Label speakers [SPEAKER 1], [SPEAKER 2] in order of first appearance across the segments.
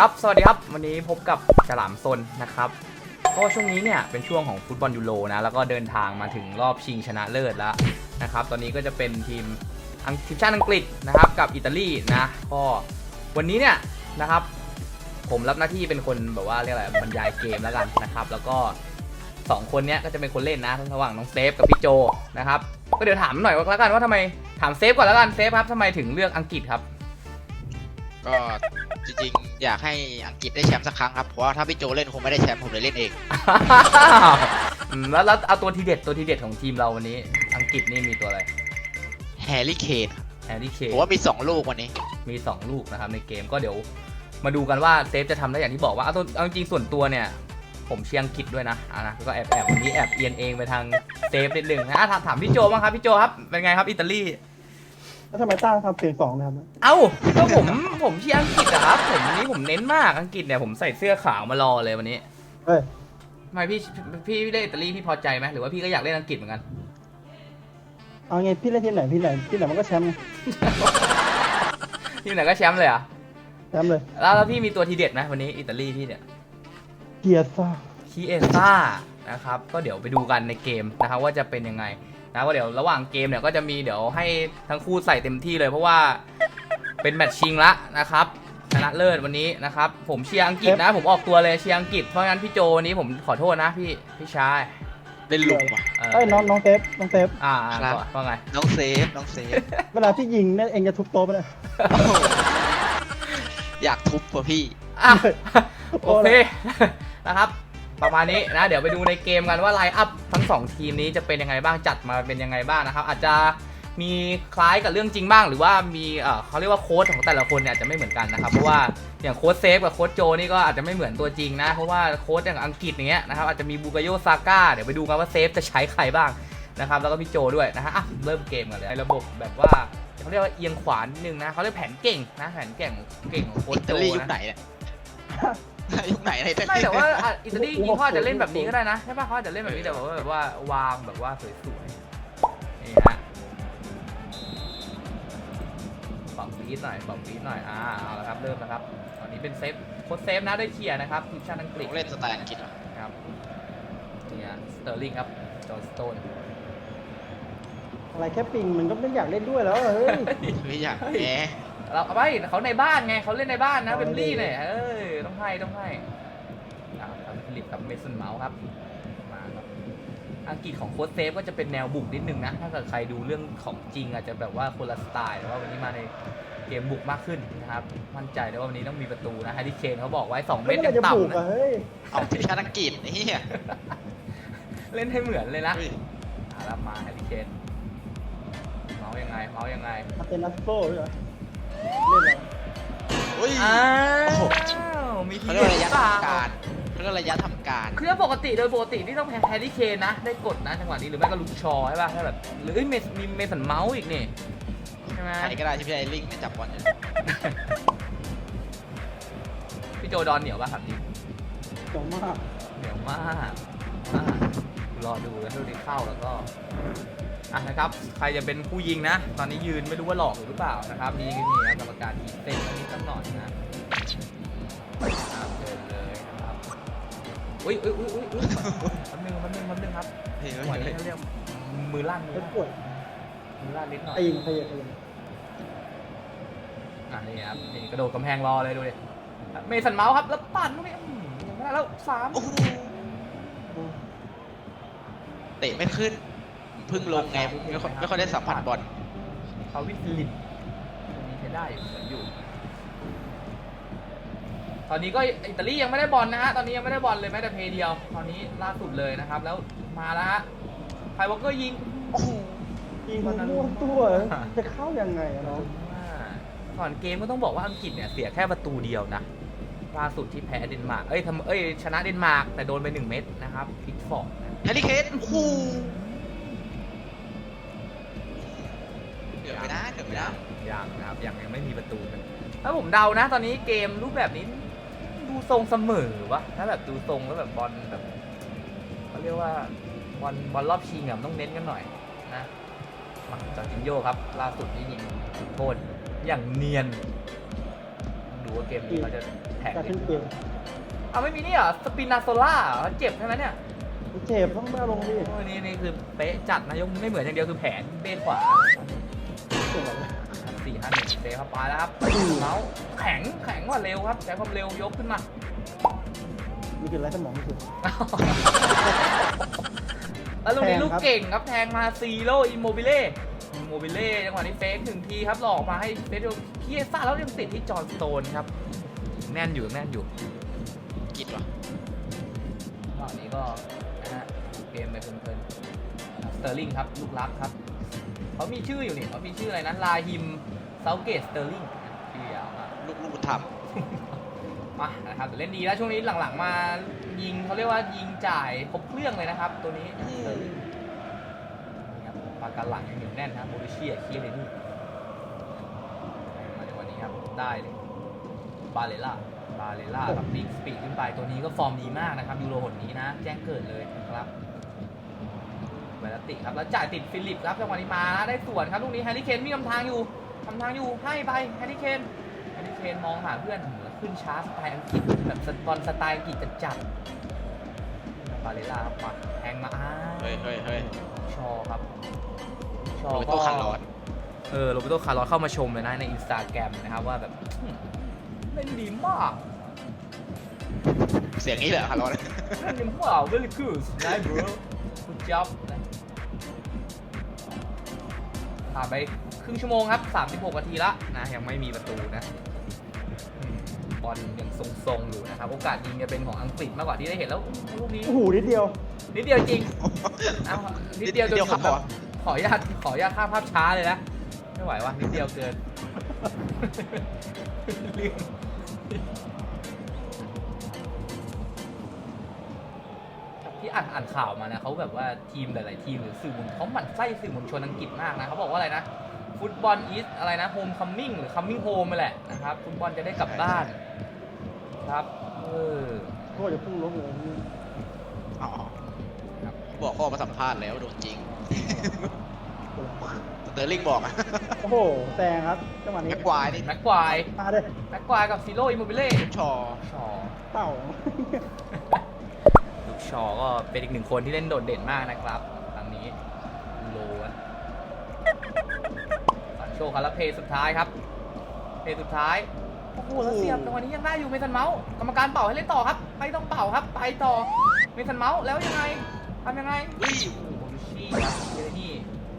[SPEAKER 1] ครับสวัสดีครับวันนี้พบกับฉลามซนนะครับก็ช่วงนี้เนี่ยเป็นช่วงของฟุตบอลยูโรนะแล้วก็เดินทางมาถึงรอบชิงชนะเลิศแล้วนะครับตอนนี้ก็จะเป็นทีมชาติอังกฤษนะครับกับอิตาลีนะก็วันนี้เนี่ยนะครับผมรับหน้าที่เป็นคนแบบว่าเรียกอะไรบรรยายเกมแล้วกันนะครับแล้วก็2คนเนี้ยก็จะเป็นคนเล่นนะระหว่างน้องเซฟกับพี่โจนะครับก็เดี๋ยวถามหน่อยแล้วกันว่าทำไมถามเซฟก่อนแล้วกันเซฟครับทำไมถึงเลือกอังกฤษครับ
[SPEAKER 2] ก็จริงๆอยากให้อังกฤษได้แชมป์สักครั้งครับเพราะว่าถ้าพี่โจเล่นคงไม่ได้แชมป์ผมเลยเล่นเอง
[SPEAKER 1] แล้วเอาตัวทีเด็ดของทีมเราวันนี้อังกฤษนี่มีตัวอะไร
[SPEAKER 2] แฮร์รี่เคน
[SPEAKER 1] แฮร์รี่เคน
[SPEAKER 2] ผมว่ามี2ลูกวันนี้
[SPEAKER 1] มี2ลูกนะครับในเกมก็เดี๋ยวมาดูกันว่าเซฟจะทำได้อย่างที่บอกว่าเอาจริงส่วนตัวเนี่ยผมเชียร์อังกฤษด้วยนะนะก็แอบวันนี้แอบเอียนเองไปทางเซฟนิดนึงนะถามพี่โจบ้างครับพี่โจครับเป็นไงครับอิตาลี
[SPEAKER 3] แล้วทำไมตั้งทำเสียงสองนะครับ
[SPEAKER 1] เอ้าก็ผมเชียร์อังกฤษอะครับวันนี้ผมเน้นมากอังกฤษเนี่ยผมใส่เสื้อขาวมารอเลยวันนี้
[SPEAKER 3] เฮ้ย
[SPEAKER 1] ทำไมพี่เล่นอิตาลีพี่พอใจไหมหรือว่าพี่ก็อยากเล่นอังกฤษเหมือนกัน
[SPEAKER 3] เอาไงพี่เล่นทีมไหนมันก็แชมป์ไง
[SPEAKER 1] ทีมไหนก็แชมป์เลยอ่ะ
[SPEAKER 3] แชมป์เลย
[SPEAKER 1] แล้วพี่มีตัวทีเด็ดไหมวันนี้อิตาลีพี่เนี่ย
[SPEAKER 3] เกียร์ซ่า
[SPEAKER 1] นะครับก็เดี๋ยวไปดูกันในเกมนะครับว่าจะเป็นยังไงนะว่าเดี๋ยวระหว่างเกมเนี่ยก็จะมีเดี๋ยวให้ทั้งคู่ใส่เต็มที่เลยเพราะว่าเป็นแมตช์ชิงละนะครับชนะเลิศวันนี้นะครับผมเชียร์อังกฤษนะผมออกตัวเลยเชียร์อังกฤษเพราะงั้นพี่โจวันนี้ผมขอโทษนะพี่ชาย
[SPEAKER 2] เล่นลุมว่ะ
[SPEAKER 3] เอ้ยน้องเซฟ
[SPEAKER 1] ว่าไง
[SPEAKER 2] น้องเซฟ
[SPEAKER 3] เวลาพี่ยิงเนี่ยเองจะทุบโต๊ะไปเลย
[SPEAKER 2] อยากทุบป่ะพี่
[SPEAKER 1] โอเคนะครับประมาณนี้นะเดี๋ยวไปดูในเกมกันว่าไลน์อัพทั้ง2ทีมนี้จะเป็นยังไงบ้างจัดมาเป็นยังไงบ้างนะครับอาจจะมีคล้ายกับเรื่องจริงบ้างหรือว่ามีเขาเรียกว่าโค้ชของแต่ละคนเนี่ยอาจจะไม่เหมือนกันนะครับเพราะว่าอย่างโค้ชเซฟกับโค้ชโจนี่ก็อาจจะไม่เหมือนตัวจริงนะเพราะว่าโค้ชอย่างอังกฤษอย่างเงี้ยนะครับอาจจะมีบูกาโยซาก้าเดี๋ยวไปดูกันว่าเซฟจะใช้ใครบ้างนะครับแล้วก็พี่โจด้วยนะฮะเริ่มเกมกันเลยระบบแบบว่าเขาเรียกว่าเอียงขวานิดนึงนะเขาเรียกแผนเก่งนะแผนเก่งของโค้ชโจ
[SPEAKER 2] นะยุคไหนเนี่ยยุคไหนอะไร
[SPEAKER 1] ไม่แต่ว่าอิตาลีจริงๆเขาอาจจะเล่นแบบนี้ก็ได้นะใช่ป่ะเขาอาจจะเล่นแบบนี้แต่แบบว่าวางแบบว่าสวยๆนี่ฮะปรับฟีดหน่อยเอาละครับเริ่มนะครับตอนนี้เป็นเซฟโค้ชเซฟนะได้เคลียร์นะครับทีมชาติอังกฤษ
[SPEAKER 2] เล่นสไตล์อังกฤษ
[SPEAKER 1] ครับนี่สเตอร์ลิงครับจอร์จสโตน
[SPEAKER 3] อะไรแค่ปิงมันก็ไม่อยากเล่นด้วยแล้วเฮ้ย
[SPEAKER 2] ไม่อยากแหม
[SPEAKER 1] เราเอาไปเขาในบ้านไงเขาเล่นในบ้านนะเบมลี่เนี่ยต้องให้ครับฟิลิปกับเมสันเมาส์ครับมาครับอังกฤษของโค้ชเซฟก็จะเป็นแนวบุกนิดนึงนะถ้าเกิดใครดูเรื่องของจริงอาจจะแบบว่าคนละสไตล์แต่ว่าวันนี้มาในเกมบุกมากขึ้นนะครับมั่นใจเลยว่าวันนี้ต้องมีประตูนะแฮร์รี่เคนเขาบอกไว้2 เมตรยังต่ำนะ
[SPEAKER 2] เอาทีมชาติอังกฤษนี่
[SPEAKER 1] เล่นให้เหมือนเลยนะรับมาแฮร์รี่เคนเมาส์ยังไง
[SPEAKER 3] อาเตนัสโก้ด้วยเหรอเล่นอะไร
[SPEAKER 1] มีที
[SPEAKER 2] เขาเรียกระยะทำการ
[SPEAKER 1] คือโดยปกติที่ต้องแพ้แฮร์รี่เคนนะได้กดนะจังหวะนี้หรือไม่ก็ลูกชอใช่ป่ะถ้าแบบหรือมีเมสันเมาส์อีกนี่ใช่ไหม
[SPEAKER 2] ใครก็ได้ที่พี่ไอลิงจับบอลอยู่
[SPEAKER 1] พี่โจดอนเหนียวป่ะครับจริง
[SPEAKER 3] เห
[SPEAKER 1] นียวมากรอดูแล้วดูดีเข้าแล้วก็นะครับใครจะเป็นผู้ยิงนะตอนนี้ยืนไม่รู้ว่าหลอกหรือเปล่านะครับนี่นะกรรมการทีเต้นนิดหน่อยนะเดินเลยนะครับอุ้ยมันนึงครับหัวนี้เขาเรียกมือลั่น
[SPEAKER 3] ปวด
[SPEAKER 1] มือลั่นนิดหน่อย
[SPEAKER 3] ขยับ
[SPEAKER 1] นี่ครับนี่กระโดดกำแพงรอเลยดูดิเมสันเมาส์ครับแล้วปั่นลูกนี้ยังไม่ได้แล้ว3
[SPEAKER 2] เตะไม่ขึ้นพึ่งลงไงไม่ค่อยได้สัมผัสบอล
[SPEAKER 1] เขาวิลินมีใช้ได้เหมือนอยู่ตอนนี้ก็อิตาลียังไม่ได้บอลนะฮะตอนนี้ยังไม่ได้บอลเลยแม้แต่เพย์เดียวตอนนี้ล่าสุดเลยนะครับแล้วมาแล้วฮะไพวอลเกอร์ยิง
[SPEAKER 3] ม้วนตัวจะเข้ายังไงอะน้อง
[SPEAKER 1] ก่อนเกมก็ต้องบอกว่าอังกฤษเนี่ยเสียแค่ประตูเดียวนะล่าสุดที่แพ้เดนมาร์กชนะเดนมาร์กแต่โดนไป1 เม็ดนะครับพิกฟอร์ด
[SPEAKER 2] แฮร์รี่เคนเกือบไปได้
[SPEAKER 1] ยังนะครับยังไม่มีประตูถ้าผมเดานะตอนนี้เกมรูปแบบนี้ดูทรงเสมอวะถ้าแบบดูทรงแล้วแบบบอลแบบเขาเรียกว่าบอลรอบชิงต้องเน้นกันหน่อยนะจอร์จินโญ่ครับล่าสุดที่ยิงโทษอย่างเนียนดูว่าเกมนี้เขาจะแท็ก
[SPEAKER 3] การขึ้นเกม
[SPEAKER 1] เอาไม่มีนี่เหรอสปินาโซล่าเจ็บใช่ไหมเนี่ย
[SPEAKER 3] เจ็บต้องมาลงดิ
[SPEAKER 1] โอ้ยนี่คือเป๊ะจัดนะยกไม่เหมือนอย่างเดียวคือแผนเบนขวา
[SPEAKER 3] เจ็บแบบ
[SPEAKER 1] 4-5-1เซเข้าไปแล้วครับแล้วแข็งกว่าเร็วครับใช้ความเร็วยกขึ้นมา
[SPEAKER 3] นี่คือไรสมองที่สุด
[SPEAKER 1] แล้วลูกนี้
[SPEAKER 3] แทงครับ
[SPEAKER 1] ลูกเก่งครับแทงมาซีโร่อิโมบิเล่จังหวะนี้เฟกหนึ่งทีครับหลอกมาให้เฟสเคียซ่าแล้วยังติดที่จอห์นสโตนครับแน่นอยู่
[SPEAKER 2] กินวะ
[SPEAKER 1] ตอนนี้ก็นะฮะเกมไปเพลินๆสเตอร์ลิงครับลูกรักครับเขามีชื่ออยู่นี่เขามีชื่ออะไรนะลาฮิมเซาเกตสเตอร์ลิงชื่อยาวมาก
[SPEAKER 2] ลูกบุญธรรม
[SPEAKER 1] มานะครับแต่เล่นดีแล้วช่วงนี้หลังๆมายิงเขาเรียกว่ายิงจ่ายครบเครื่องเลยนะครับตัวนี้นี่ครับปากกาหลังยังเหนียวแน่นครับโบริเชียเคียเลยนี่มาในวันนี้ครับได้เลยบาเลล่ากับบิ๊กสปีดขึ้นไปตัวนี้ก็ฟอร์มดีมากนะครับยูโรหนนี้นะแจ้งเกิดเลยนะครับเวลาติครับแล้วจ่ายติดฟิลิปครับจังหวะนี้มาได้ส่วนครับลูกนี้แฮร์รี่เคนมีทำทางอยู่ให้ไปแฮร์รี่เคนมองหาเพื่อนขึ้นช้าสไตล์อังกฤษแบบบอลสไตล์อังกฤษจัดบาเลล่าครับมาแทงมา
[SPEAKER 2] เฮ้ย
[SPEAKER 1] ชอครับชอ
[SPEAKER 2] โรเบ
[SPEAKER 1] ก็
[SPEAKER 2] โต้คาร์ลอส
[SPEAKER 1] โรเบโตคาร์ลอสเข้ามาชมเลยนะในอินสตาแกรมนะครับว่าแบบเล่นดีมาก
[SPEAKER 2] เสียงนี้เหรอคาร์ลอส
[SPEAKER 1] เล่นดีมาก very good nice bro good job ผ่านไปครึ่งชั่วโมงครับ36นาทีละนะยังไม่มีประตูนะบอลยังทรงๆอยู่นะครับโอกาสยิงจะเป็นของอังกฤษมากกว่าที่ได้เห็นแล้วลูกนี้
[SPEAKER 3] โอ้โหนิดเดียว
[SPEAKER 1] จริงเอานิดเดียวจนผมแบบขออนุญาตข้ามภาพช้าเลยนะไม่ไหววะนิดเดียวเกินลืมที่อ่านข่าวมานะเขาแบบว่าทีมหลายๆทีมหรือสื่อมวลเขาหมั่นไส้สื่อมวลชนอังกฤษมากนะเขาบอกว่าอะไรนะฟุตบอลอีสอะไรนะโฮมคัมมิ่งหรือคัมมิ่งโฮมไปแหละนะครับฟุตบอลจะได้กลับบ้านครับ
[SPEAKER 3] โทษจะพุ่งล้มเลยนี่
[SPEAKER 2] อ๋อบอกข้อมาสัมภาษณ์แล้วโดนจริงสเตอร์ลิงบอกอะ
[SPEAKER 3] โอ้โหแซงครับจังหวะนี้
[SPEAKER 2] แม็กควายนี่
[SPEAKER 1] แม็กควาย
[SPEAKER 3] มาเลย
[SPEAKER 1] กับซีโร่อิโมบิเล่
[SPEAKER 2] ชอ
[SPEAKER 3] เต่า
[SPEAKER 1] ลูกชอก็เป็นอีกหนึ่งคนที่เล่นโดดเด่นมากนะครับครั้งนี้โลนสันโชคาร์เพย์สุดท้ายครับเพย์สุดท้ายโอ้โหแล้วเสียบตรงนี้ยังได้อยู่เมสันเมาส์กรรมการเป่าให้เล่นต่อครับไม่ต้องเป่าครับไปต่อเมสันเมาส์แล้วยังไงทำยังไงโอ้โหโบลูชี่ครับเจเรนี่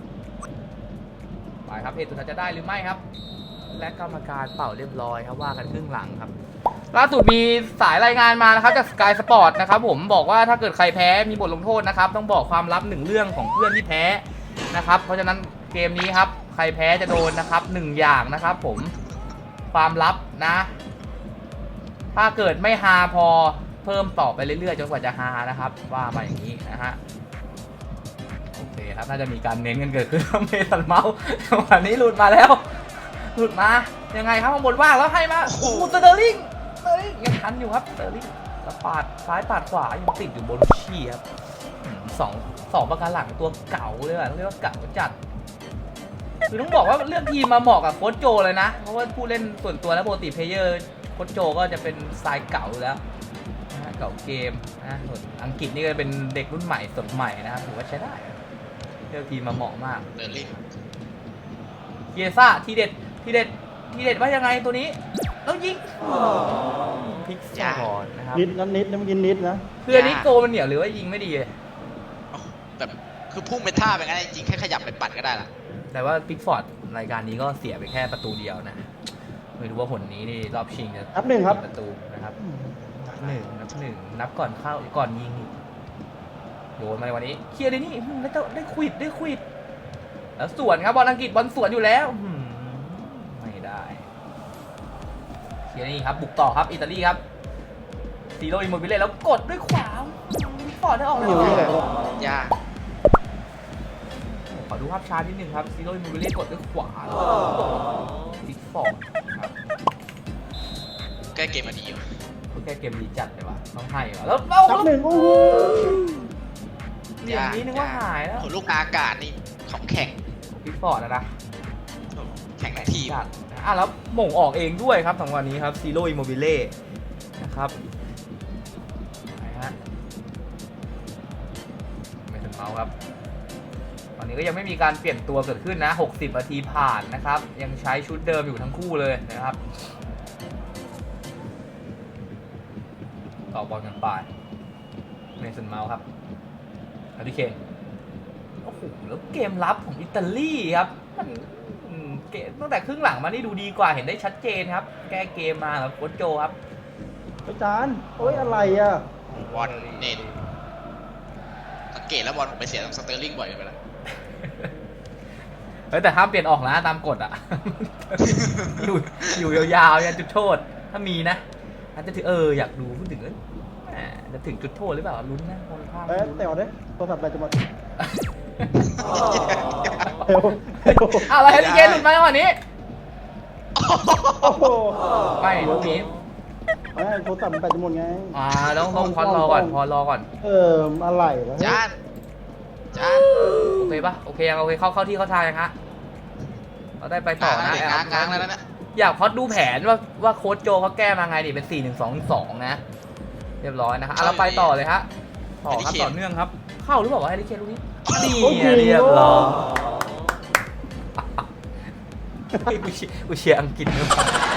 [SPEAKER 1] ไปครับเพย์สุดท้ายจะได้หรือไม่ครับและกรรมการเป่าเรียบร้อยครับว่ากันครึ่งหลังครับล่าสุดมีสายรายงานมานะครับจาก Sky Sport นะครับผมบอกว่าถ้าเกิดใครแพ้มีบทลงโทษนะครับต้องบอกความลับ1เรื่องของเพื่อนที่แพ้นะครับเพราะฉะนั้นเกมนี้ครับใครแพ้จะโดนนะครับ1อย่างนะครับผมความลับนะถ้าเกิดไม่ฮาพอเพิ่มต่อไปเรื่อยๆจนกว่าจะฮานะครับว่ามาอย่างนี้นะฮะโอเคครับน่าจะมีการเน้นกันเกิดขึ้นเมสันเมาส์วันนี้หลุดมาแล้วหลุดมายังไงครับข้างบนว่างแล้วให้มาโอ้โหสเตอร์ลิงยังทันอยู่ครับสเตอร์ลิงแล้วปาดซ้ายปาดขวายังติดอยู่โบลูชี่ครับสองประการหลังตัวเก่าเลยอ่ะเรียกว่าเก่าจัดคือต้องบอกว่าเลือกทีมมาเหมาะกับโค้ชโจเลยนะเพราะว่าผู้เล่นส่วนตัวและปกติเพลเยอร์โค้ชโจก็จะเป็นสายเก่าแล้วนะเก่าเกมนะส่วนอังกฤษนี่ก็เป็นเด็กรุ่นใหม่สดใหม่นะครับถือว่าใช้ได้เลือกทีมมาเหมาะมาก
[SPEAKER 2] สเตอร์ลิง
[SPEAKER 1] เยซ่าทีเด็ดว่ายังไงตัวนี้แล้วยิงพลิกซอนนะครับ
[SPEAKER 3] นิดนะนิดนะมันกินนิดนะ
[SPEAKER 1] คืออันนี้โกมันเหนียวหรือว่ายิงไม่ดีเลย
[SPEAKER 2] แบบคือพุ่งเป็นท่าเป็นไงจริงแค่ขยับไปปัดก็ได้ละ
[SPEAKER 1] แต่ว่าพิกฟอร์ดรายการนี้ก็เสียไปแค่ประตูเดียวนะไม่รู้ว่าผลนี้นี่รอบชิงจะ
[SPEAKER 3] นับหนึ่งครับ
[SPEAKER 1] ประตูนะครับนับหนึ่งนับก่อนเข้าก่อนยิงโยนมาในวันนี้เคลียร์เลยนี่ได้ควิดแล้วสวนครับบอลอังกฤษบอลสวนอยู่แล้วไม่ได้เคลียร์นี่ครับบุกต่อครับอิตาลีครับซีโร่อิโมบิเล่แล้วกดด้วยขวาฟอร์ดได้ออกเลย
[SPEAKER 2] ยาก
[SPEAKER 1] ขอดูภาพช้านิดนึงครับซีโร่อิโมบิเล่กดด้วยขวาซิกฟอร์ดครับ
[SPEAKER 2] แก้เกมมาดีอยู่
[SPEAKER 1] แค่เกมดีจัดเลยว่ะต้องให้ว่ะแล้ว
[SPEAKER 3] นับหนึ่งโอ้โห
[SPEAKER 1] เหลี่ยมนี้นึกว่าหายแล้ว
[SPEAKER 2] ผลลูกอากาศนี่ของแข่ง
[SPEAKER 1] ซิกฟอร์ดนะ
[SPEAKER 2] แข่งทั้งทีม
[SPEAKER 1] จัดนะแล้วหม่งออกเองด้วยครับจังหวะนี้ครับซีโร่อิโมบิเล่นะครับไหนฮะไม่ถึงเมาส์ครับตอนนี้ก็ยังไม่มีการเปลี่ยนตัวเกิดขึ้นนะ60นาทีผ่านนะครับยังใช้ชุดเดิมอยู่ทั้งคู่เลยนะครับต่อบอลกันไปเมสันเมาส์ครับอาริเคนโอ้โหแล้วเกมรับของอิตาลีครับมันเกมตั้งแต่ครึ่งหลังมานี่ดูดีกว่าเห็นได้ชัดเจนครับแก้เกมมาแล้วโค้ชโจครับ
[SPEAKER 3] อาจารย์โอ้ยอะไรอ่ะ
[SPEAKER 2] บอลเน็ตสังเกตแล้วบอลผมไปเสียตรงสเตอร์ลิงบ่อยไปแล้ว
[SPEAKER 1] แต่ห้ามเปลี่ยนออกนะตามกฎอ่ะ อยู่ยาวๆยันจุดโทษถ้ามีนะอาจจะถึงอยากดูพูดถึงจะถึงจุดโทษหรือเปล่าลุ้นนะคนข้าง
[SPEAKER 3] แต่เอาได้โทรศัพท์อะไรจะหมด
[SPEAKER 1] อะไรฮะที่เกมหลุดมาจังหวะนี้
[SPEAKER 3] โอ้โห
[SPEAKER 1] ไม่ลูกนี้
[SPEAKER 3] ไม่โทรศัพท์แบตจะหมดไง
[SPEAKER 1] ต้องพอรอก่อน
[SPEAKER 3] อะไรวะ
[SPEAKER 2] จาน
[SPEAKER 1] โอเคปะโอเคยังโอเคเข้าที่เข้าทางยังฮะเราได้ไปต่อนะ
[SPEAKER 2] กลางแล้วนะ
[SPEAKER 1] อยากพอดดูแผนว่าโค้ชโจเขาแก้มาไงดิเป็น 4-1-2-2 นะเรียบร้อยนะครับเราไปต่อเลยฮะต่อครับต่อเนื่องครับเข้าหรือเปล่าวะแฮร์รี่เคนลูกนี้นี่เรียบร้อยกูเชียร์อังกฤษเลย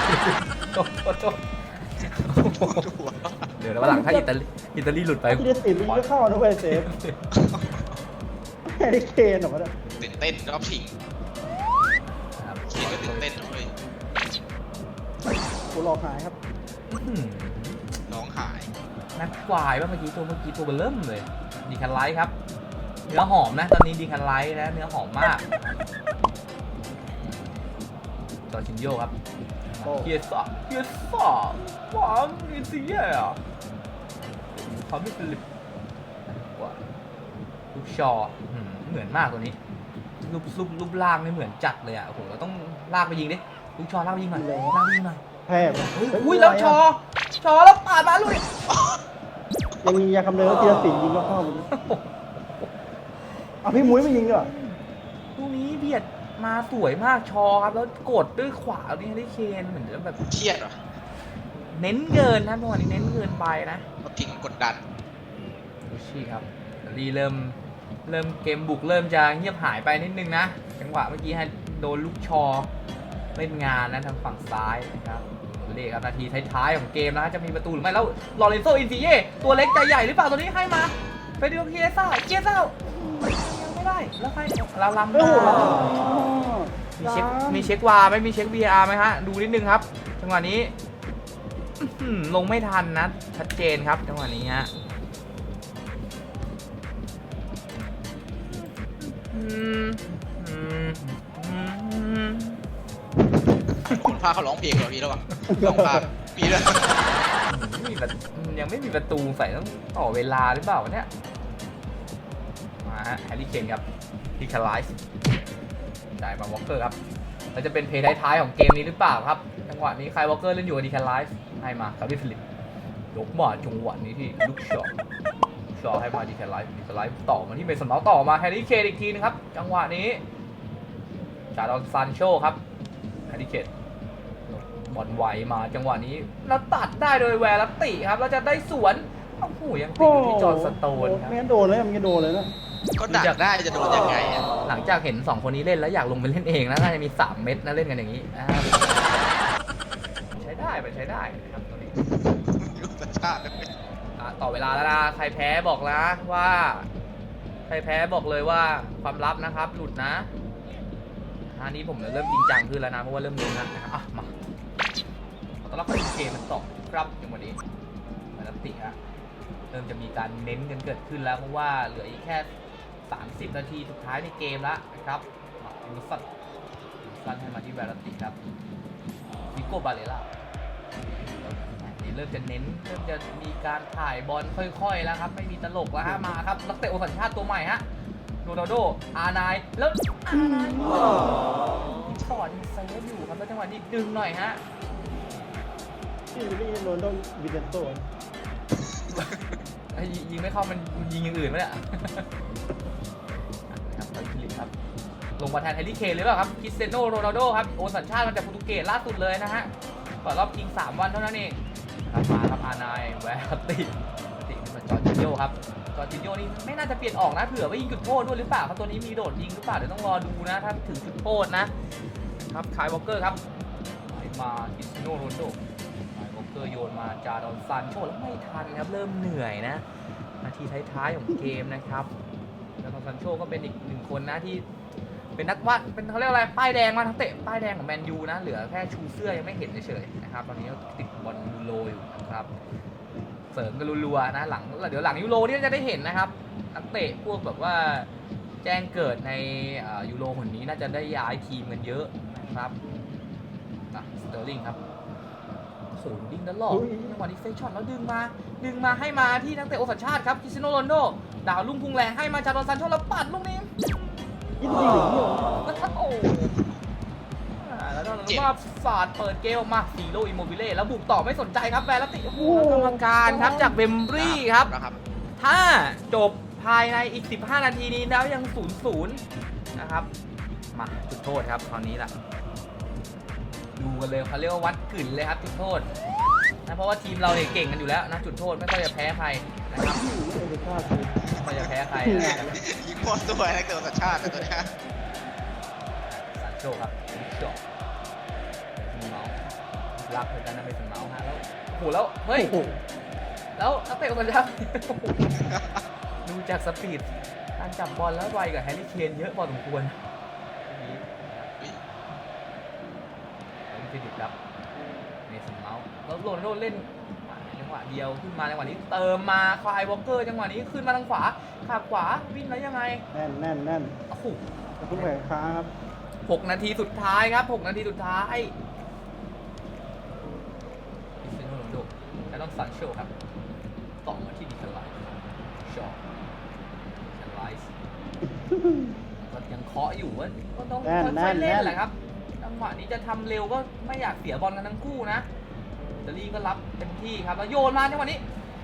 [SPEAKER 1] เดี๋ยววันหลังถ้าอิตาลีหลุดไป
[SPEAKER 3] ที่ได้ติดมันก็เข้านะเว้ยเซฟแฮร์รี่เคนเหรอวะเนี่ย
[SPEAKER 2] ตื่นเต้นรอบชิงเคนก็ตื่นเต้นเลย
[SPEAKER 3] กูรอหายครับ
[SPEAKER 2] ร้องหาย
[SPEAKER 1] นักควายว่าเมื่อกี้ตัวเบลเริ่มเลยดีคันไลท์ครับเนื้อหอมนะตอนนี้ดีคันไลท์นะเนื้อหอมมากจอร์จินโญ่ครับเกียร์สอบหวานอินซีเย่อะเขาไม่เป็นว่าลูกชอเหมือนมากตัวนี้รูปร่างนี่เหมือนจัดเลยอ่ะโอ้โหเราต้องลากไปยิงดิลูกชอลากไปยิงหน่อยลากไปยิงหน่อย
[SPEAKER 3] แพ้
[SPEAKER 1] อุ้ยแล้วชอแล้วปาดมาลุย
[SPEAKER 3] ยังมียาคำเนิดทีละสิยิงก็เข้ามันเอาพี่มุ้ยไม่ยิงเหรอ
[SPEAKER 1] ลูกนี้เบียดมาสวยมากชอครับแล้วกดด้วยขวานี่ได้เคนเหมือนแบบ
[SPEAKER 2] เครียดเหรอ
[SPEAKER 1] เน้นเกินนะเมื่อวานนี้เน้นเกินไปนะ
[SPEAKER 2] ก็ทิ้งกดดัน
[SPEAKER 1] ดูชี่ครับรีเริ่มเกมบุกเริ่มจะเงียบหายไปนิดนึงนะจังหวะเมื่อกี้ให้โดนลูกชอเล่นงานนะทางฝั่งซ้ายนะครับเลขครับนาทีท้ายๆของเกมนะจะมีประตูหรือไม่แล้วลอเรนโซอินซิเย่ตัวเล็กใจใหญ่หรือเปล่าตัวนี้ให้มาไปดูเกียร์ซ่ายังไม่ได้แล้วใครเราล้ำได้มีเช็ควาไม่มีเช็ค VR ไหมฮะดูนิดนึงครับจังหวะนี้ลงไม่ทันนะชัดเจนครับจังหวะนี้ฮะ
[SPEAKER 2] คนพาเขาร้องเพลงเหรอพี่แล้ววะร้องพาพี่แล้ว
[SPEAKER 1] ยังไม่มีประตูใส่ต้องต่อเวลาหรือเปล่าเนี่ยมาฮะแฮร์รี่เคนครับที่คาไลส์จ่ายมาวอลเกอร์ครับแล้วจะเป็นเพย์ท้ายๆของเกมนี้หรือเปล่าครับจังหวะนี้ใครวอลเกอร์เล่นอยู่กับดีคาไลส์ให้มาคาร์บิฟิลิปยกมาจังหวะนี้ที่ลูกช็อตให้มาดีคาไลส์ต่อมาที่เมสันเมาส์ต่อมาแฮร์รี่เคนอีกทีนึงครับจังหวะนี้จาดอนซานโชครับแฮร์รี่เคนบอลไวมาจังหวะนี้แล้วตัดได้โดยแวร์ติครับแล้วจะได้สวนโอ้โหยังติดอยู่ที่จอร์นสโตนครับ
[SPEAKER 3] ไม่งั้นโดนเลยมันจะโดนเลยนะ
[SPEAKER 2] ก็ดักได้จะโดนยังไงอ่ะ
[SPEAKER 1] หลังจากเห็น2คนนี้เล่นแล้วอยากลงไปเล่นเองนะน่าจะมี3เม็ดนะเล่นกันอย่างนี้ใช้ได้นะครับตอนนี้
[SPEAKER 2] ยุทธชาติ
[SPEAKER 1] ต่อเวลาแล้วนะใครแพ้บอกนะว่าใครแพ้บอกเลยว่าความลับนะครับหลุดนะอันนี้ผมเริ่มจริงจังขึ้นแล้วนะเพราะว่าเริ่มรู้นะครับมาตอนรับเข้าเกมมันต่อครับอย่างวันนี้มาแล้วติฮะเริ่มจะมีการเน้นกันเกิดขึ้นแล้วเพราะว่าเหลืออีกแค่30 นาทีสุดท้ายในเกมแล้วนะครับดูสั้นให้มาที่แวร์ติครับวิโก้บาเลล่านี่เริ่มจะเน้นเริ่มจะมีการถ่ายบอลค่อยๆแล้วครับไม่มีตลกแล้วฮะมาครับนักเตะโอสัญชาติตัวใหม่ฮะโรนัลโดอาร์ไนแล้วอาร์ไนสอดเซฟอยู่ครับแล้วจังหวะนี้ดึงหน่อยฮะ
[SPEAKER 3] ที่นี่โดนต้องวินเซนโต้
[SPEAKER 1] ยิงไม่เข้ามันยิงอย่างอื่นไหมเนี่ยครับฟิลิปครับลงมาแทนแฮร์รี่เคนเลยเปล่าครับคริสเตียโนโรนัลโดครับโอนสัญชาติมาจากโปรตุเกสล่าสุดเลยนะฮะก่อนรอบชิง3 วันเท่านั้นเองครับมาครับอานายแวร์ติเป็นจอร์จินโญ่ครับจอร์จินโญ่นี่ไม่น่าจะเปลี่ยนออกนะเผื่อว่ายิงจุดโทษด้วยหรือเปล่าครับตัวนี้มีโดดยิงหรือเปล่าเดี๋ยวต้องรอดูนะถ้าถึงจุดโทษนะครับคายวอลเกอร์ครับมาคริสเตียโนโรนัลโดคายวอลเกอร์โยนมาจาดอนซานโชแล้วไม่ทันครับเริ่มเหนื่อยนะนาทีท้ายๆของเกมนะครับแล้วซานโชก็เป็นอีกหนึ่งคนนะที่เป็นนักวาดเป็นเขาเรียกอะไรป้ายแดงมาทั้งเตะป้ายแดงของแมนยูนะเหลือแค่ชูเสื้อยังไม่เห็นเฉยๆนะครับตอนนี้ก็ติดบอลยูโรอยู่นะครับเสริมกันรัวๆนะหลังเดี๋ยวหลังยูโรนี่จะได้เห็นนะครับนักเตะพวกแบบว่าแจ้งเกิดในยูโรคนนี้น่าจะได้ย้ายทีมกันเยอะนะครับสเตอร์ลิงครับโอ้โหดิ้งตลอดจังหวะนี้เฟคช็อตแล้วดึงมาให้มาที่นักเตะโอสัญชาติครับคริสเตียโนโรนัลโดดาวลุ่งพุ่งแรงให้มาจาดอนซานโชแล้วปัดลูกนี้
[SPEAKER 3] ยิงหรือเปล่า
[SPEAKER 1] โอ้แล้วก็มาสาดเปิดเกมออกมาซีโร่อิโมบิเล่แล้วบุกต่อไม่สนใจครับแวร์ลติโอ้โหกรรมการครับจากเวมบรีครับ ถ้าจบภายในอีก15 นาทีนี้แล้วยัง 0-0 นะครับมาจุดโทษครับคราวนี้ล่ะดูกันเลยเขาเรียกว่าวัดกึ่นเลยครับจุดโทษนะเพราะว่าทีมเราเนี่ยเก่งกันอยู่แล้วนะจุดโทษไม่ค่อยจะแพ้ใครนะครับไม่ค่อยจะแพ้ใครนะครับ
[SPEAKER 2] ยิงหมดตัวนักเตะสัญชาติตัวนี้
[SPEAKER 1] ซานโชครับจบเมาส์รักเหมือนกันนะเป็นเมาส์ฮะแล้วโอ้โหแล้วเฮ้ยแล้วนักเตะคนละดูจากสปีดการจับบอลแล้วไวกับแฮร์รี่เคนเยอะพอสมควรฟิลิปครับเมสันเมาส์แล้วโรนัลโดเล่นจังหวะเดียวขึ้นมาจังหวะนี้เติมมาคลายวอลเกอร์จังหวะนี้ขึ้นมาทางขวาขาขวาวิ่งแล้วยังไง
[SPEAKER 3] แน่น
[SPEAKER 1] โอ้โห
[SPEAKER 3] ทุกแผงค้าครับ
[SPEAKER 1] 6 นาทีสุดท้ายครับ6 นาทีสุดท้ายคริสเตียโนโรนัลโดและต้องซานโชครับต่อมาที่ดิคาไลชอดิคาไลก็ยังเคาะอยู่ว่าก็ต้องค่อยๆเล่นแหละครับจังหวะนี้จะทำเร็วก็ไม่อยากเสียบอลกันทั้งคู่นะอิตาลีก็รับเต็มที่ครับแล้วโยนมาจังหวะนี้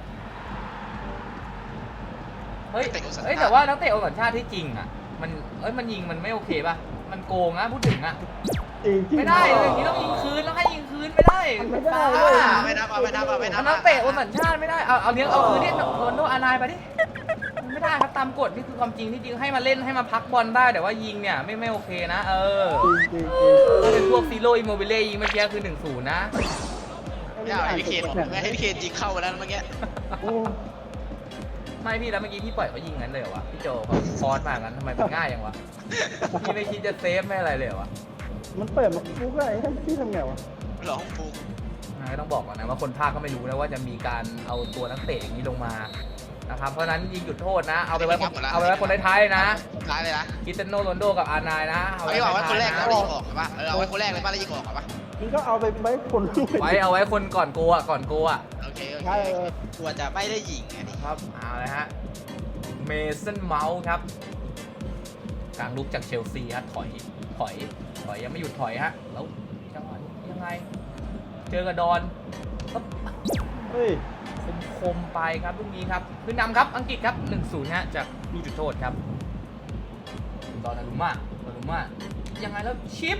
[SPEAKER 1] เฮ้ยแต่ว่านักเตะโอสัญชาติที่จริงอ่ะมันยิงมันไม่โอเคป่ะมันโกงนะพูดถึงอ่ะไม่ได้อย่างนี้ต้องยิงคืนต้องให้ยิงคืนไม่ได้
[SPEAKER 2] ไม่นับ
[SPEAKER 1] นักเตะโอสัญชาติไม่ได้เอาเนี้ยเอาคืนเนี่ยโรนโดอานายไปดิไม่ได้ครับตามกฎนี่คือความจริงที่จริงให้มาเล่นให้มาพักบอลได้แต่ว่ายิงเนี่ยไม่โอเคนะถ้าเป็นพวกซีโร่อิโมบิเล่ยิงเมื่อกี้คือ 1-0 นะ
[SPEAKER 2] ให้พี่เคนยิงเข้าไปแล้วเมื่อกี้
[SPEAKER 1] ไม่พี่แล้วเมื่อกี้พี่ปล่อยเขายิงงั้นเลยเหรอวะพี่โจเขาฟอนมางั้นทำไมมันง่ายอย่างวะพี่ไม่คิดจะเซฟไม่อะไรเลยเหรอวะ
[SPEAKER 3] มันเปิดมาฟุกอะไรให้พี่ทำไงวะ
[SPEAKER 2] หลอกฟุก
[SPEAKER 1] ไม่ต้องบอกก่อนนะว่าคนภาคก็ไม่รู้นะว่าจะมีการเอาตัวนักเตะอย่างนี้ลงมานะครับเพราะนั้นยิงจุดโทษนะเอาไปไว้คนท้ายๆนะ
[SPEAKER 2] ท้ายเลยนะ
[SPEAKER 1] คริสเตียโนโรนัลโดกับอานายนะ
[SPEAKER 2] เอาไว้คนแรกแล้วยิงออกป่ะเอาไว้คนแรกเลยป่ะแล้วยิงออกป่ะ
[SPEAKER 3] มึงก็เอาไปไว้คน
[SPEAKER 1] เอาไว้คนก่อนโกอ่ะ
[SPEAKER 2] โอเคกลัวจะไม่ได้ยิงอันนี้
[SPEAKER 1] ครับเอาเลยฮะเมสันเมาส์ครับกลางลุกจากเชลซีฮะถอยยังไม่หยุดถอยฮะแล้วจังหวะยังไงเจอกับดอน
[SPEAKER 3] เฮ้ย
[SPEAKER 1] คมไปครับลูกนี้ครับขึ้นนำครับอังกฤษครับ 1-0 ฮะจากลูกจุดโทษครับดอนนารุม่ายังไงแล้วชิป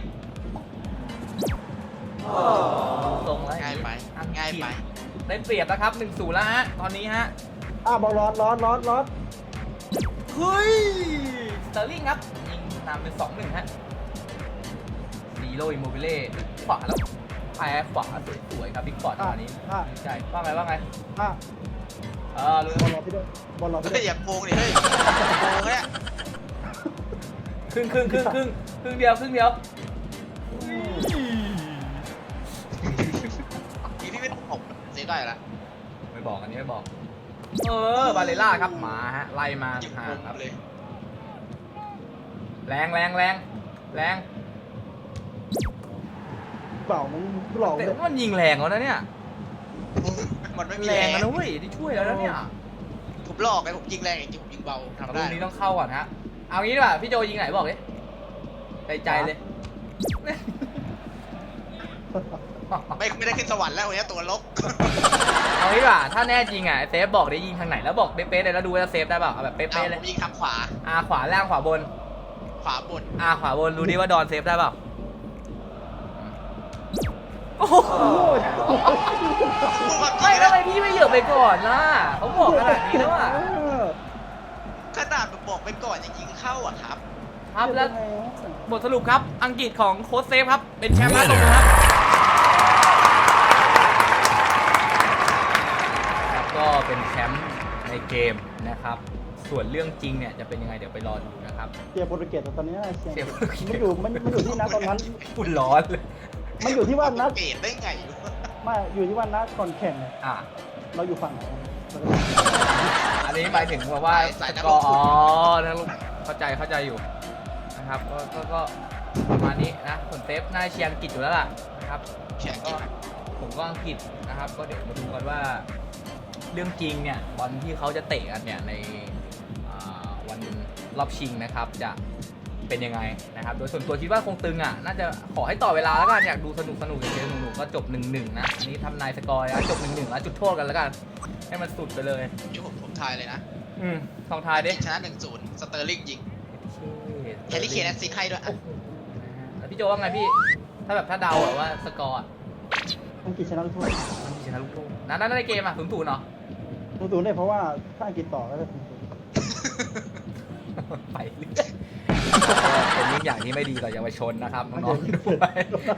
[SPEAKER 1] ตรงแล้ว
[SPEAKER 2] ง่ายไป
[SPEAKER 1] ได้เปรียบแล้วครับ 1-0 แล้วฮะตอนนี้ฮะ
[SPEAKER 3] บอลร้อน
[SPEAKER 1] เฮ้ยสเตอร์ลิงครับยิงนำเป็น 2-1 ฮะซีโร่อิโมบิเล่ขวาแล้วแพ้ขวาสวยๆครับบิ๊กฟอร์ดตอนนี้ดีใจว่าไง
[SPEAKER 3] รู้บอลรอพี่ด้วยบอลรอพี่ด้วย
[SPEAKER 2] อย่าโกงดิเฮ้ยโกงเนี่ย
[SPEAKER 1] ครึ่งเดียว
[SPEAKER 2] ทีที่เป็นผมเสียได้ละ
[SPEAKER 1] ไม่บอกอันนี้ไม่บอกบาเลล่าครับมาฮะไล่มาห่างครับแรง
[SPEAKER 3] เปล่ามันหลอก
[SPEAKER 1] แต่มันยิงแรงแล้วนะเนี่ย
[SPEAKER 2] มันไม่มี
[SPEAKER 1] แรงนะเว้ยที่ช่วยแล้วนะเนี่ย
[SPEAKER 2] ผมหลอกไงผมยิงแรงจริงผมยิงเบาทำได้
[SPEAKER 1] ตรงนี้ต้องเข้าก่อนฮะเอางี้ดีกว่าพี่โจยิงไหนบอกดิใจเลย
[SPEAKER 2] ไม่ได้ขึ้นสวรรค์แล้ววันนี้ตัวลก
[SPEAKER 1] เอางี้ดีกว่าถ้าแน่จริงอ่ะเซฟบอกได้ยิงทางไหนแล้วบอกเป๊ะๆเลยแล้วดูว่าเซฟได้เปล่าเอาแบบเป๊ะๆเลย
[SPEAKER 2] ผมยิงทางขวา
[SPEAKER 1] ขวาล่างขวาบน
[SPEAKER 2] ขวาบน
[SPEAKER 1] ขวาบนดูดิว่าดอนเซฟได้เปล่าโอ้โห
[SPEAKER 2] พูดความจริ
[SPEAKER 1] ไม่
[SPEAKER 2] ง
[SPEAKER 1] ทำ
[SPEAKER 2] นะ
[SPEAKER 1] ไมพี่ไม่เหยียบไปก่อนล่ะเขาบอกขนาดนี้แล้วอ่ะ
[SPEAKER 2] ขนาดบอกไปก่อนยังยิงเข้าอ่ะครับ
[SPEAKER 1] ครับแล้วบทสรุปครับอังกฤษของโค้ชเซฟครับเป็นแชมป์นะตรงนะครับแล้วก็เป็นแชมป์ในเกมนะครับส่วนเรื่องจริงเนี่ยจะเป็นยังไงเดี๋ยวไปรอดูนะครับ
[SPEAKER 3] เชียร์โปรตุเกสแต่ตอนนี้เชียร์
[SPEAKER 1] เชียร์โปรตุเกส
[SPEAKER 3] มันอยู่ที่นัดตอนนั้น
[SPEAKER 1] พูดร้อนเลย
[SPEAKER 3] มันอยู่ที่ว่านัด
[SPEAKER 2] เกตได้ไง
[SPEAKER 3] ไม่อยู่ที่ว่านัดก่อนแข่งเนี่ย
[SPEAKER 1] อ่ะ
[SPEAKER 3] เราอยู่ฝั่งไหน
[SPEAKER 1] อันนี้หมายถึงว่า
[SPEAKER 2] สายนัก
[SPEAKER 1] ก็
[SPEAKER 2] ลงทุน
[SPEAKER 1] นะลูกเข้าใจอยู่นะครับก็ประมาณนี้นะส่วนเซฟน่าเชียร์อังกฤษอยู่แล้วล่ะนะครับ
[SPEAKER 2] แข่ง
[SPEAKER 1] ก็
[SPEAKER 2] กิน
[SPEAKER 1] ผมก็อังกฤษนะครับ ก็เดี๋ยวมาดูกันว่าเรื่องจริงเนี่ยบอลที่เขาจะเตะกันเนี่ยในวันรอบชิงนะครับจะเป็นยังไงนะครับโดยส่วนตัวคิดว่าคงตึงอ่ะน่าจะขอให้ต่อเวลาแล้วกันอยากดูสนุกอย่างเดียวสนุกก็จบ 1-1 นะอันนี้ทำนายสกอร์นะจบ 1-1 แล้วจุดโทษกันแล้วกันให้มันสุดไปเลย
[SPEAKER 2] นี่ผมทายเลยนะ
[SPEAKER 1] ลองทายดิ
[SPEAKER 2] ชนะ 1-0 สเตอร์ลิงยิงแฮร์รี่เคนแอสซิสต์ให้ด้วย
[SPEAKER 1] โอ้โหแล้วพี่โจว่าไงพี่ถ้าแบบถ้าเดาอะว่าสกอร์อะ
[SPEAKER 3] อังกฤษชนะลูกโทษ
[SPEAKER 1] มันชนะลูกโทษนั่นในเกมอะ0-0เนาะ
[SPEAKER 3] ตูนได้เพราะว่าถ้าอังกฤษต่อก็จะ
[SPEAKER 1] ไปเรื่อยเป็นยิ่งอย่างที่ไม่ดีต่อเยาวชนนะครับน้องๆด้วย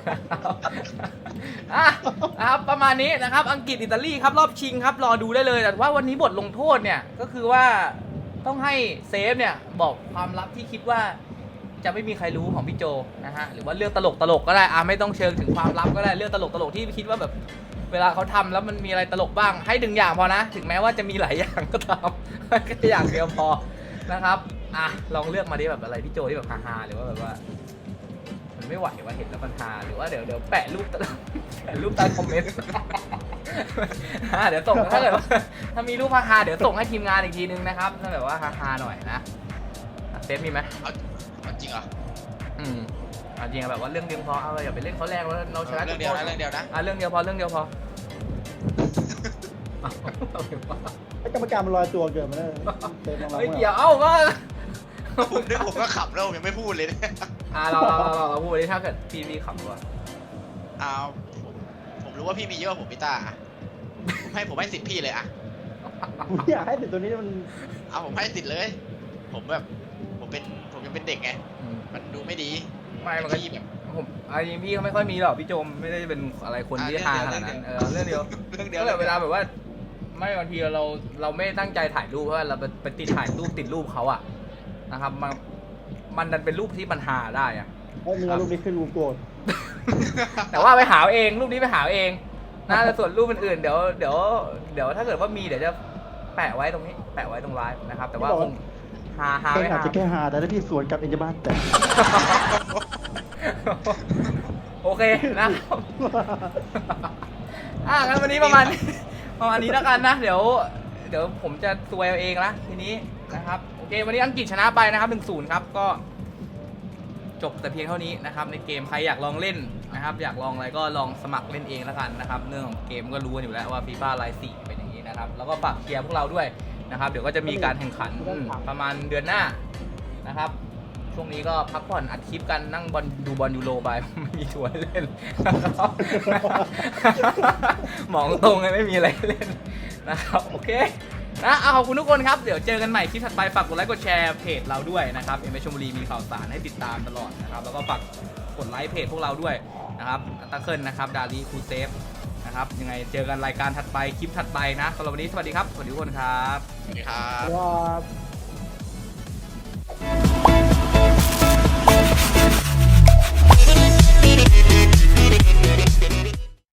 [SPEAKER 1] นะครับประมาณนี้นะครับอังกฤษอิตาลีครับรอบชิงครับรอดูได้เลยแต่ว่าวันนี้บทลงโทษเนี่ยก็คือว่าต้องให้เซฟเนี่ยบอกความลับที่คิดว่าจะไม่มีใครรู้ของพี่โจนะฮะหรือว่าเรื่องตลกก็ได้ไม่ต้องเชิงถึงความลับก็ได้เรื่องตลกที่คิดว่าแบบเวลาเขาทำแล้วมันมีอะไรตลกบ้างให้1อย่างพอนะถึงแม้ว่าจะมีหลายอย่างก็ตามแค่อย่างเดียวพอนะครับลองเลือกมาดิแบบอะไรพี่โจที่แบบฮาๆหรือว่าแบบว่ามันไม่ไหวว่าเห็นแล้วมันฮาหรือว่าเดี๋ยวแปะรูปแปะรูปใต้คอมเมนต์ เดี๋ยวส่งถ้าเกิดว่าถ้ามีรูปฮาๆเดี๋ยวส่งให้ทีมงานอีกทีนึงนะครับถ้าแบบว่าฮาๆหน่อยนะเซฟมีไหม
[SPEAKER 2] เอาจริงเหรอ
[SPEAKER 1] จริงแบบว่าเรื่องเดียวพอเอาอย่าไปเล่นเขาแรงแล้วเราชนะ
[SPEAKER 2] เรื่องเดียวนะ
[SPEAKER 1] เรื่องเดียวพอ
[SPEAKER 3] ไอ้กรรมการมันลอยตัวเกินมาเลยเต็มมา
[SPEAKER 1] เฮ้ยเดี๋ยวก็
[SPEAKER 2] ผมก็ขำแล้วผมยังไม่พูดเลยเนี่ย
[SPEAKER 1] เราพูดดิถ้าเกิดพี่ขับว่า
[SPEAKER 2] เอาผมรู้ว่าพี่มีเยอะกว่าผมพี่ตาผมให้สิทธิ์พี่เลยอะ
[SPEAKER 3] อยากให้ติดตัวนี้มัน
[SPEAKER 2] เอาผมให้สิทธิ์เลย ผมยังเป็นเด็กไงมันดูไม่ดี
[SPEAKER 1] ไม่มันก็
[SPEAKER 2] พี่แบบ
[SPEAKER 1] ผมจริงพี่เขาไม่ค่อยมีหรอกพี่โจมไม่ได้เป็นอะไรคนที่ฮาขนาดนั้นเรื่องเดียว
[SPEAKER 2] เรื่องเดียว
[SPEAKER 1] ก็แบบเวลาแบบว่าไม่บางทีเราไม่ตั้งใจถ่ายรูปเพราะว่าเราไปติดถ่ายรูปติดรูปเขาอะนะครับมันดันเป็นรูปที่มันฮาได้อะ
[SPEAKER 3] เฮ้ยมึงเอารูปนี้ขึ้นรูปโกรธ
[SPEAKER 1] แต่ว่าไปหาเองรูปนี้ไปหาเองนะแต่ส่วนรูปอื่นๆเดี๋ยวถ้าเกิดว่ามีเดี๋ยวจะแปะไว้ตรงนี้แปะไว้ตรงไลฟ์นะครับแต่ว่าคงฮา
[SPEAKER 3] แค่
[SPEAKER 1] ไม่
[SPEAKER 3] อาจ
[SPEAKER 1] ฮา
[SPEAKER 3] จะแค่หาแต่ถ้าพี่สวนกลับเองจะบ้านแต่
[SPEAKER 1] โอเคนะครับงั้นวันนี้ประมาณนี้แล้วกันนะเดี๋ยวผมจะซวยเอาเองละทีนี้นะครับโอเควันนี้อังกฤษชนะไปนะครับ 1-0 ครับก็จบแต่เพียงเท่านี้นะครับในเกมใครอยากลองเล่นนะครับอยากลองอะไรก็ลองสมัครเล่นเองแล้วกันนะครับเรื่องของเกมก็รู้กันอยู่แล้วว่า FIFA ไลน์4เป็นอย่างนี้นะครับแล้วก็ฝากเชียร์พวกเราด้วยนะครับเดี๋ยวก็จะมีการแข่งขันประมาณเดือนหน้านะครับช่วงนี้ก็พักผ่อนอัดคลิปกันนั่งดูบอลยูโรไป ไม่มีทัวร์ให้เล่นนะครับ มองตรงเลยไม่มีอะไรให้เล่นนะครับโอเคนะขอบคุณทุกคนครับเดี๋ยวเจอกันใหม่คลิปถัดไปฝากกดไลค์กดแชร์เพจเราด้วยนะครับเอ็มเอชลบุรีมีข่าวสารให้ติดตามตลอดนะครับแล้วก็ฝากกดไลค์เพจพวกเราด้วยนะครับตะเคิลนะครับดาลีคูเซฟนะครับยังไงเจอกันรายการถัดไปคลิปถัดไปนะสำหรับวันนี้สวัสดีครับสวัสดีทุกคนครับ
[SPEAKER 2] สวัสดีครับ
[SPEAKER 3] ว่า